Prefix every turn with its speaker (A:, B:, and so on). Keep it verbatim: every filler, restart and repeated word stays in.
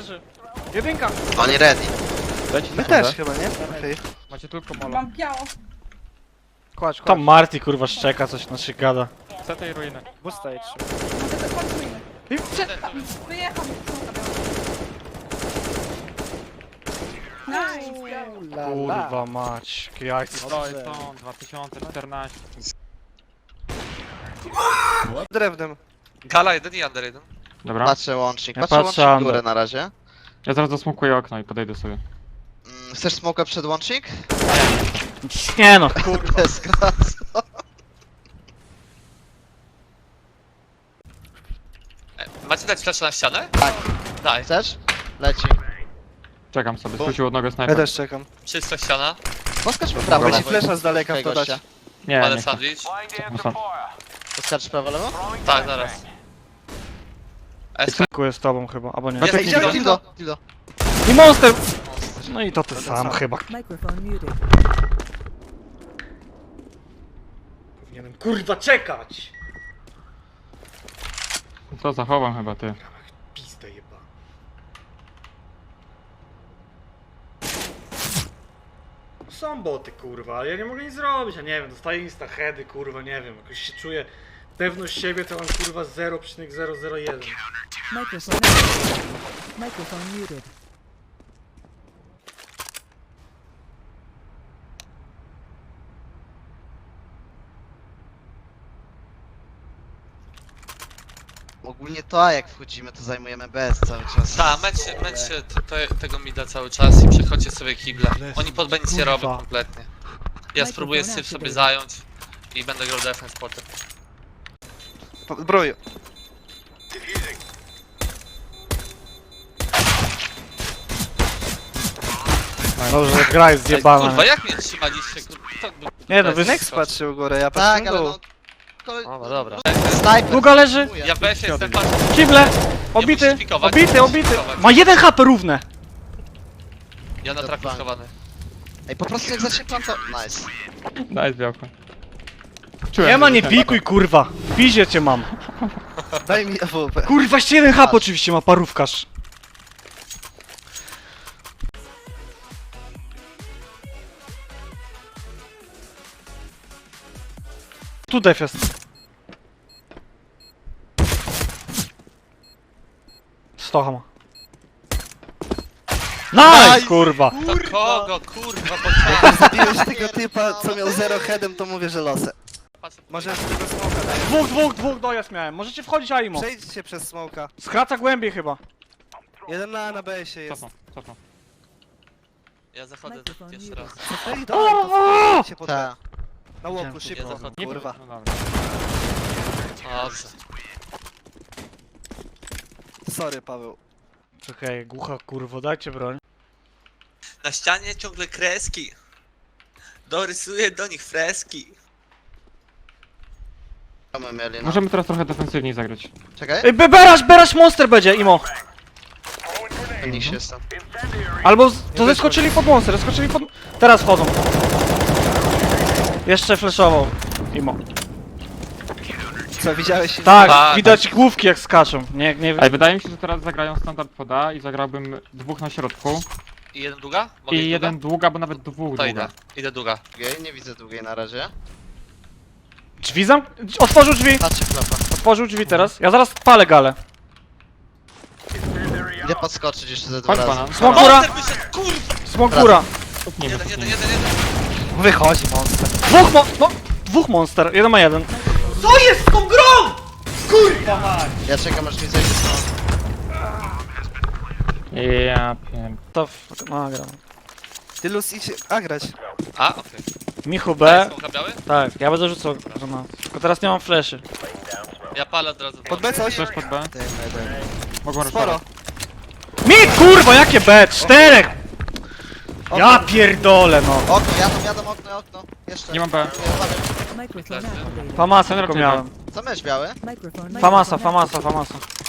A: leży. Jedynka.
B: Oni ready.
C: My też chyba, nie? Okej.
D: Macie tylko mola.
E: Mam biało.
C: Kładź, kładź.
A: Tam Marty kurwa szczeka, coś na się gada.
D: C T i ruiny.
C: Busta jedź.
E: Może to kończymy.
A: I prze...
E: Wyjechał. Nice.
A: Kurwa mać, jakie jajce.
D: To jest on, dwa tysiące czternaście.
C: Drewnem.
B: Gala jeden i under jeden.
D: Dobra.
B: Patrzę łącznik,
A: Ja
B: patrzę
A: patrzę
B: łącznik
A: under.
B: górę na razie.
D: Ja zaraz zasmokuję okno i podejdę sobie.
B: Mm, chcesz smoka przed łącznik?
A: Nie no.
B: Kurde, skracał.
F: Macie dać flash na ścianę?
B: Tak.
F: Daj.
B: Chcesz? Leci.
D: Czekam sobie,
B: Bo-
D: skrócił od nogę
C: Ja
D: snajper.
C: też czekam.
F: Czysto ściana.
B: Poskacz po prawo,
C: Weź
B: lewo.
C: flesza z daleka w
B: Okej,
C: to dać.
B: gościa.
D: Nie,
F: Palę
D: nie chcę.
F: sandwich.
D: Czekam sam.
B: Poskacz prawo, lewo?
F: Tak, zaraz. S P.
A: Dziękuję z tobą chyba, albo nie.
F: Jest
B: Ej,
F: Dildo.
B: Dildo, Dildo.
A: I monster! No i to ty sam chyba.
G: Microphone muted.
A: Powinienem kurwa czekać!
D: To zachowam chyba, ty.
A: Pizdę jeba. Są boty kurwa, ale ja nie mogę nic zrobić, ja nie wiem, dostaję insta heady kurwa, nie wiem, jakoś się czuję pewność siebie to mam kurwa zero przecinek zero zero jeden.
G: Microphone activated. Microphone muted.
B: Ogólnie to, a jak wchodzimy, to zajmujemy B S cały czas.
F: Ta, mecz, mecz to, to, tego mida cały czas i przechodźcie sobie kible. Oni pod B nic nie
A: Kurwa.
F: robią kompletnie. Ja spróbuję syf sobie zająć i będę grał defense potem.
C: Broju.
A: Dobrze, gra jest zjebana.
F: Kurwa, jak mnie trzymaliście? Kurwa, to był...
A: Nie no, wy...
C: Nex patrzył u góry, ja
B: Tak,
C: patrzę
B: ale
C: dół.
B: no... Ko-
F: No dobra.
B: Snajper.
A: Długa leży.
F: Ja w B S jestem patrzę.
A: Kible! Obity!
F: musisz pikować,
A: Obity,
F: musisz
A: obity!
F: pikować.
A: Ma jeden H P równe!
F: Ja na traku schowany.
B: Ej, po prostu jak zacznie plan to... Nice.
D: Daj białko. Czułem,
A: Nie ma,
D: że
A: nie
D: ten-
A: pikuj kurwa! W pizie cię mam!
C: Daj mi A W P.
A: Kurwa, jeszcze jeden H P oczywiście ma parówkarz. Tu def jest. Stocha ma. Nice,
B: Nice!
A: kurwa!
F: To kogo, kurwa, bo
C: Zabiłeś tego typa, co miał zero headem, to mówię, że losę. Może z tego smoka daj.
A: Dwóch, dwóch, dwóch dojazd miałem. Możecie wchodzić Aimo.
C: Przejdźcie przez smoka.
A: Skraca głębiej chyba.
C: Jeden na A na B się jest.
D: Cofnął, cofnął.
F: Ja zachodzę
G: Microphone
F: jeszcze raz.
C: Ej, dawaj, to się pod B.
B: Tak.
C: Na łoku,
F: Ja
C: szybko.
F: zachodzę.
C: Kurwa.
D: No dobra.
F: Dobrze.
C: Sorry, Paweł.
A: Czekaj, głucha kurwo, dajcie broń.
F: Na ścianie ciągle kreski. Dorysuję do nich freski.
B: Co my mieli, no?
D: Możemy teraz trochę defensywniej zagrać.
B: Czekaj.
A: Ej, be- berasz, berasz monster będzie, Imo.
B: Niż jestem.
A: Albo z, to zeskoczyli pod monster, zeskoczyli pod... Teraz wchodzą. Jeszcze flashował. Imo.
C: Co, widziałeś?
A: Tak,
F: Tak.
A: widać główki jak skaczą. Nie, nie...
D: Ej, wydaje mi się, że teraz zagrają standard poda i zagrałbym dwóch na środku.
F: I jeden długa? Mogę
D: I
F: iść
D: jeden
F: długa?
D: długa, bo nawet dwóch
F: To idę.
D: długa.
F: Idę długa.
B: Długiej, nie widzę długiej na razie.
A: Drzwi zam... Otworzył drzwi!
B: Patrzę klapa.
A: Otworzył drzwi teraz. Ja zaraz palę galę.
B: Idę podskoczyć jeszcze ze dwa
D: Chodź
B: razy.
D: banan.
A: Smok góra!
F: Monster wyszedł, kurwa!
A: Smok góra!
D: Nie
F: Jeden,
D: wiem,
F: jeden, jeden, jeden.
C: Wychodzi monster.
A: Dwóch mo... No, dwóch monster, jeden ma jeden. Co jest z tą grą?! Kurwa mać!
B: Ja czekam aż mi zejdzie smok.
D: Ja pier...
A: To... w- No, gram.
C: Ty Luz idź A grać.
F: A, okej.
A: Michu
F: B.
A: B.
F: Smoka biały?
A: Tak, ja będę rzucał granat. Tylko teraz nie mam fleszy.
F: Ja palę od razu.
C: Pod B coś?
D: Też pod B?
B: Dajmy, dajmy.
D: Mogą
C: Sporo.
D: ruszować.
A: Mit, kurwa, jakie B? Czterech! Ja pierdolę, no.
B: Okno, jadą, jadą, okno, okno. Jeszcze.
D: Nie mam B.
B: Nie, uważaj.
G: Microphone activated.
A: Famasa
D: Ten
A: tylko
D: raczej
A: miałem.
B: Co mysz biały?
G: Microphone.
A: Famasa,
G: microphone
A: famasa, famasa.